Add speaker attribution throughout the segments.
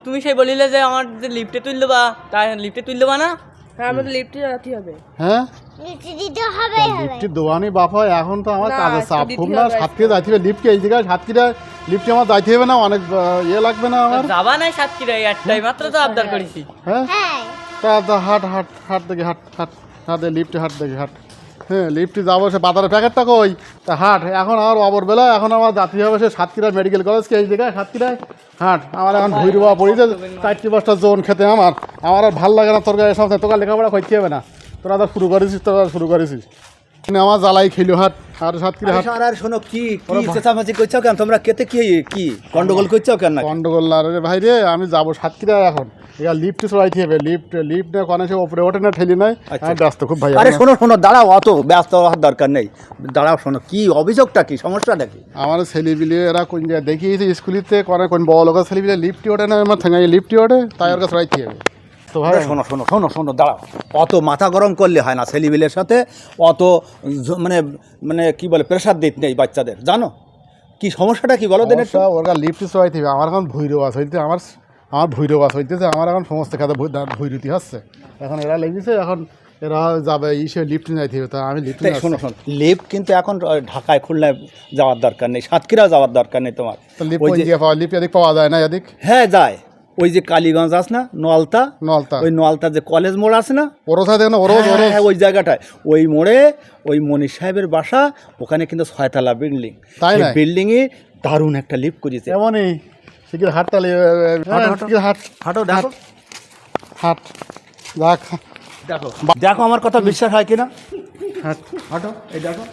Speaker 1: তুমি সেই বলিলে যে আমার যে লিফটে তুললো বা তাই লিফটে তুললো বা না?
Speaker 2: হ্যাঁ আমাদের লিফটে যেতে হবে।
Speaker 3: হ্যাঁ
Speaker 4: লিফটে দিতে হবে
Speaker 3: লিফটে দোয়ানি বাপ হয় এখন তো আমার
Speaker 2: না,
Speaker 3: কাজের চাপ
Speaker 2: দিতে
Speaker 3: খুব না
Speaker 2: হবে
Speaker 3: সাতক্ষীরা যাইতে হবে লিফটে এই জায়গায় সাতক্ষীরা লিফটে আমার যাইতে হবে না অনেক ইয়ে লাগবে না আমার
Speaker 1: যাবা নাই সাতক্ষীরায় একটাই মাত্র তো আবদার করেছি।
Speaker 3: হ্যাঁ
Speaker 4: হ্যাঁ
Speaker 3: তা হাট হাট হাট দেখি হাট হাট হাট লিফটে হাট দেখি হাট হ্যাঁ লিফটে যাবো সে বাজারের প্যাকেটটা কই তা হাট এখন আমার অবর বেলা এখন আমার যাত্রী হবে সে সাতক্ষীরা মেডিকেল কলেজকে এই জায়গায় সাতক্ষীরায় হাট আমার এখন ভুঁড়ি বাবা পড়েছে 4-5টা জোন খেতে আমার আর ভাল লাগে না তোর গায়ে সব তোর লেখাপড়া করতে হবে না তোরা তো শুরু করেছিস আমার জ্বালাই খেলো হাট আর সাতক্ষীরা হাট
Speaker 5: আর শোনো কি চেঁচামেচি করছো কেন তোমরা কেতে কি গন্ডগোল করছো কেন না
Speaker 3: গন্ডগোল না রে ভাই রে আমি যাবো সাতক্ষীরা এখন এবার লিফটে চড়াইতে হবে লিফট না কোনে সে ওপরে ওঠে না ঠেলি নাই আমি ব্যস্ত খুব ভাই
Speaker 5: আরে শোনো দাঁড়াও অত ব্যস্ত হওয়ার দরকার নেই দাঁড়াও শোনো কি অভিযোগটা কি সমস্যাটা কি
Speaker 3: আমার ছেলেপিলে এরা কোন জায়গায় দেখিয়েছে স্কুলিতে কোন বড় লোকের ছেলেপিলে লিফটে ওঠে না আমার ঠেঙাই লিফটে ওঠে তাই ওর কাছে চড়াইতে হবে তো ভাই
Speaker 5: শোনো দাঁড়াও অত মাথা গরম করলে হয় না ছেলেপিলের সাথে অত মানে কি বলে প্রেশার দিতে নেই বাচ্চাদের জানো কি সমস্যাটা কি বলো দেন
Speaker 3: ওর কাছে লিফটে চড়াইতে হবে আমার এখন ভৈরবাস হইতে আমার ভৈরবাস হইতেছে আমার এখন সমস্ত খাতে ভৈরতি হচ্ছে এখন এরা লেগেছে এখন এরা যাবে লিফটে যাইতে হবে তা আমি লিফটে
Speaker 5: শোনো লিফট কিন্তু এখন ঢাকায় খুলনায় যাওয়ার দরকার নেই সাতক্ষীরা যাওয়ার দরকার নেই তোমার
Speaker 3: লিফট এদিক পাওয়া যায় না এদিক
Speaker 5: হ্যাঁ যায় ওই যে কালীগঞ্জ আছে না নলতা ওই নলতা যে কলেজ মোড় আছে না
Speaker 3: ওরও থাকে না
Speaker 5: হ্যাঁ ওই জায়গাটায় ওই মোড়ে ওই মনির সাহেবের বাসা ওখানে কিন্তু 6তলা বিল্ডিং
Speaker 3: তাই না
Speaker 5: বিল্ডিংয়ে দারুণ একটা লিফট করেছে
Speaker 3: এমনই শিখির হাটটা হাট
Speaker 5: হাঁটো দেখো
Speaker 3: হাট দেখ
Speaker 5: দেখো আমার কথা বিশ্বাস হয় কিনা
Speaker 3: হাট
Speaker 5: হাঁটো এই দেখো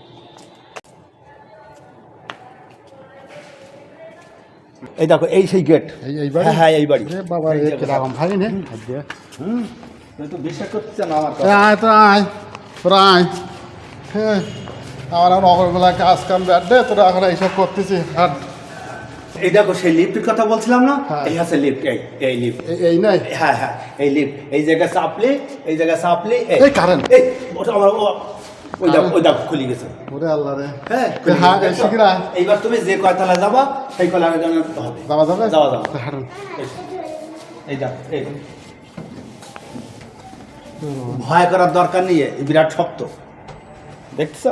Speaker 5: এই দেখো এই সেই গেট
Speaker 3: এই বাড়ি
Speaker 5: হ্যাঁ এই বাড়ি
Speaker 3: বাবা কিরকম ভাই নে
Speaker 5: তুমি তো বিশ্বাস করছে না আমার কথা
Speaker 3: আয় তোরা আয় হ্যাঁ আমার এখন অগরবেলা কাজ কাম ব্যাট দে তোরা এখন এইসব করতেছি হাট
Speaker 5: এই দেখো সেই লিফটের কথা বলছিলাম না
Speaker 3: হ্যাঁ।
Speaker 5: এই আছে লিফট এই লিফট
Speaker 3: এই নাই
Speaker 5: হ্যাঁ এই লিফট এই জায়গায় চাপলে
Speaker 3: এই কারেন্ট
Speaker 5: এই ওটা আমার ওই দেখো খুলে গেছে
Speaker 3: ওরে আল্লাহ রে
Speaker 5: হ্যাঁ
Speaker 3: হ্যাঁ শিখিরা
Speaker 5: এইবার তুমি যে কয়তলা যাবা সেই কয়তলা হবে
Speaker 3: যাওয়া
Speaker 5: হাঁটুন এই দেখো এই ভয় করার দরকার নেই বিরাট শক্ত দেখছ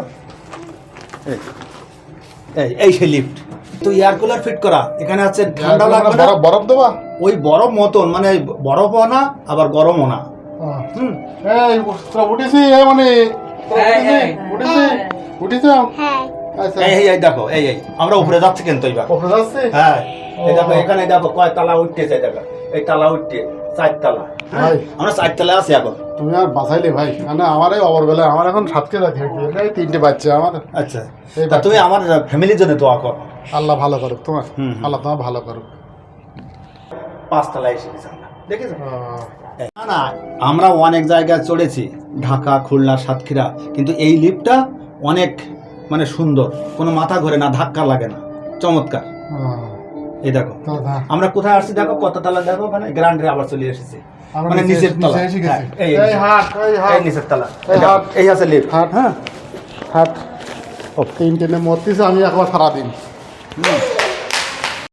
Speaker 5: এই সেই লিফট তো এয়ার কুলার ফিট করা এখানে আছে ঠান্ডা লাগবে না
Speaker 3: বরফ দেবা
Speaker 5: ওই বরফ মতন মানে বরফও না আবার গরমও না
Speaker 3: এই তোরা উঠেছি মানে উঠেছি
Speaker 4: হ্যাঁ
Speaker 3: আচ্ছা
Speaker 5: এই দেখো এই আমরা উপরে যাচ্ছি কিন্তু এইবার
Speaker 3: ওপরে যাচ্ছে
Speaker 5: হ্যাঁ এই দেখো এখানে দেখো কয় তালা উঠতেছে দেখো এই তালা উঠতে 4 তালা
Speaker 3: ভাই
Speaker 5: আমরা 4 তালা আছি এখন
Speaker 3: তুমি আর বাঁচাইলে ভাই মানে আমার এই অবরবেলা আমার এখন সাতকে যাচ্ছে এই 3টে বাচ্চা আমার
Speaker 5: আচ্ছা তা তুমি আমার ফ্যামিলির জন্য দোয়া করো
Speaker 3: আল্লাহ ভালো করুক তোমার আল্লাহ তোমার ভালো করুক
Speaker 5: 5 তালা এসে গেছি আমরা দেখেছো না আমরা অনেক জায়গায় চড়েছি ঢাকা খুলনা সাতক্ষীরা কিন্তু এই লিফটটা অনেক মানে সুন্দর কোনো মাথা ঘোরে না ধাক্কা লাগে না চমৎকার এই দেখো আমরা কোথায় আসছি দেখো কত তালা দেখো মানে গ্রান্ডে আবার চলে এসেছি মানে নিচের তলা এই হাট এই নিচের তলা এই আছে লিফট
Speaker 3: হাট ও 3টে মরতেছে আমি একবার সারাদিন